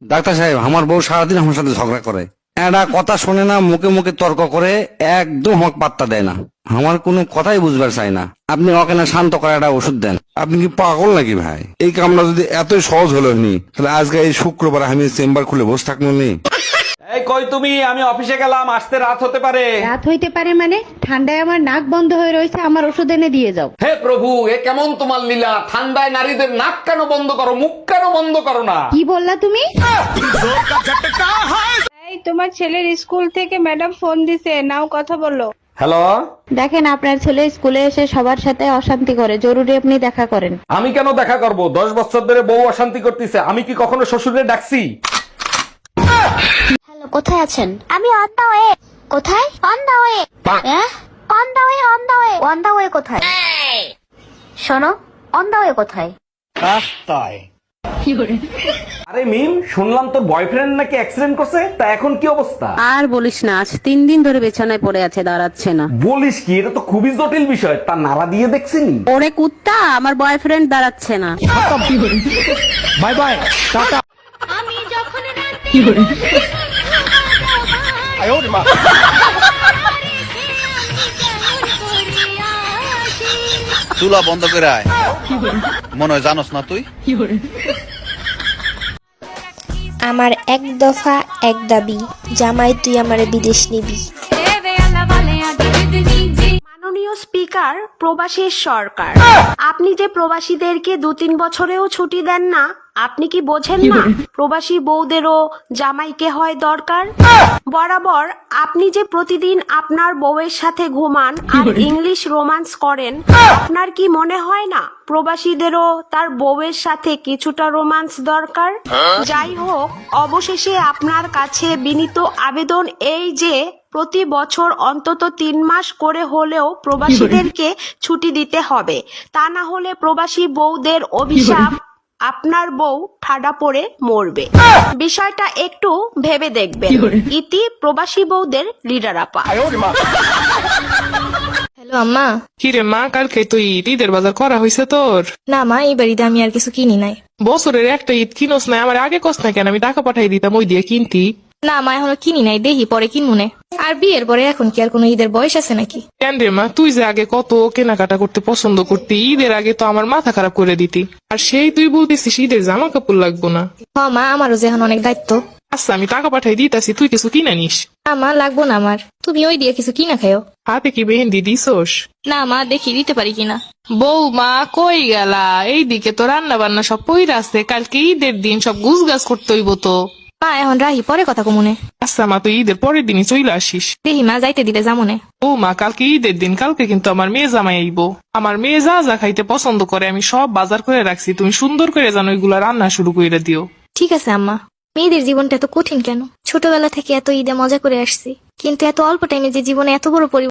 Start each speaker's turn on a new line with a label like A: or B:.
A: Doctor সাহেব, আমার বউ সারাদিন আমার সাথে ঝগড়া করে, একটা কথা শোনে না, মুখে মুখে তর্ক করে, একদম আমাকে পাত্তা দেয় না, আমার কোনো কথাই বুঝবার চাই না। আপনি ওকে না শান্ত করে একটা ওষুধ দেন।
B: আপনি কি পাগল নাকি ভাই? এই কামটা যদি এতই সহজ হলো নি, তাহলে আজকে এই শুক্রবার আমি চেম্বার খুলে বসে থাকবো নি।
C: এই কই তুমি? আমি অফিসে গেলাম, আসতে রাত হতে পারে।
D: রাত হইতে পারে মানে? ঠান্ডায় আমার নাক বন্ধ হয়ে রয়েছে, আমার ওষুধ এনে দিয়ে যাও।
C: হে প্রভু, এ কেমন তোমার লীলা? ঠান্ডায় নারীদের নাক কেন বন্ধ করো, মুখ কেন বন্ধ করো না?
D: কি বললা তুমি?
E: এই তোমার ছেলের স্কুল থেকে ম্যাডাম ফোন দিছে, নাও কথা বলো।
C: হ্যালো,
D: দেখেন, আপনার ছেলে স্কুলে এসে সবার সাথে অশান্তি করে, জরুরি আপনি দেখা করেন।
C: আমি কেন দেখা করব? 10 বছর ধরে বউ অশান্তি করতেছে, আমি কি কখনো শ্বশুরে ডাকছি?
F: হ্যালো, কোথায় আছেন? আমি অন দা ওয়ে। কোথায়? On the way. On the way, on the way. On the way কোথায়? শোনো, অন দা ওয়ে কোথায়?
C: আরে মিম, শুনলাম তোর বয়ফ্রেন্ড নাকি অ্যাক্সিডেন্ট করছে, তা এখন কি অবস্থা?
G: আর বলিস না, আজ 3 দিন ধরে বিছানায় পড়ে আছে, দাঁড়াচ্ছে না।
C: বলিস কি? এটা তো খুবই জটিল বিষয়। তা নাড়া দিয়ে দেখছিনি?
G: ওরে কুত্তা, আমার বয়ফ্রেন্ড দাঁড়াচ্ছে না।
C: বাই বাই, টাটা।
H: চুলা বন্ধ করে আয়, মনে হয় জানোস না তুই।
I: আমার এক দফা এক দাবি, জামাই তুই আমারে বিদেশ নিবি।
J: মাননীয় স্পিকার, প্রবাসীর সরকার, আপনি যে প্রবাসীদেরকে 2-3 বছরেও ছুটি দেন না, আপনি কি বোঝেন না প্রবাসী বউদেরও জামাইকে হয় দরকার? বরাবর আপনি যে প্রতিদিন আপনার বউয়ের সাথে ঘুমান আর ইংলিশ রোমান্স করেন, আপনার কি মনে হয় না প্রবাসীদেরও তার বউয়ের সাথে কিছুটা রোমান্স দরকার? যাই হোক, অবশেষে আপনার কাছে বিনীত আবেদন এই যে প্রতি বছর অন্তত 3 মাস করে হলেও প্রবাসীদেরকে ছুটি দিতে হবে, তা না হলে প্রবাসী বউদের অভিশাপ, আপনার বউ ঠাডা পড়ে মরবে। বিষয়টা একটু ভেবে দেখবেন। ইতি প্রবাসী বউদের লিডার আপা।
I: হ্যালো আম্মা।
E: কিরে মা, কালকে তো ঈদের বাজার করা হয়েছে তোর?
I: না মা, এই বাড়িতে আমি আর কিছু কিনি নাই।
E: বছরের একটা ঈদ কিনোস না? আমার আগে কস না কেন? আমি টাকা পাঠাই দিতাম, ওই দিয়ে কিনতি।
I: না মা, এখনো কিনি নাই, দেখি পরে কিনবো। আর বিয়ের পরে এখন কি আর কোনো ঈদের বয়স আছে নাকি?
E: কেন রে মা, তুই যে আগে কত কেনাকাটা করতে পছন্দ করতি, ঈদের আগে তো আমার মাথা খারাপ করে দিতি, আর সেই তুই বলতেছিস ঈদের জামা কাপড় লাগবো না।
I: হ মা, আমারও যে এখন অনেক দায়িত্ব।
E: আচ্ছা, আমি টাকা পাঠাই দিতাছি, তুই কিছু কিনে নিস।
I: না মা, লাগবো না আমার, তুমি ওই দিয়ে কিছু কিনা খাও।
E: হাতে কি মেহেন্দি দিছোস?
I: না মা, দেখি দিতে পারি কিনা।
E: বৌমা কই গেলা? এইদিকে তো রান্না বান্না সব পইরা আছে, কালকে ঈদের দিন সব গুছ গাছ করতে হইব তো।
I: মা এখন রাহি, পরে কথা কমুনে।
E: আচ্ছা মা, তুই ঈদের পরের দিনই চলে আসিস।
I: দেখি মা, যাইতে দিলে যামনে।
E: ও মা, কালকে ঈদের দিন, কালকে কিন্তু আমার মেয়ে জামাই আইব। আমার মেয়ে যা যা খাইতে পছন্দ করে আমি সব বাজার করে রাখছি, তুমি সুন্দর করে জানো এগুলা রান্না শুরু করে দিও।
I: ঠিক আছে আম্মা। মেয়েদের জীবনটা এত কঠিন কেন? ছোটবেলা থেকে এত ঈদে মজা করে আসছি, কিন্তু এত অল্প টাইমে যে জীবনে এত বড়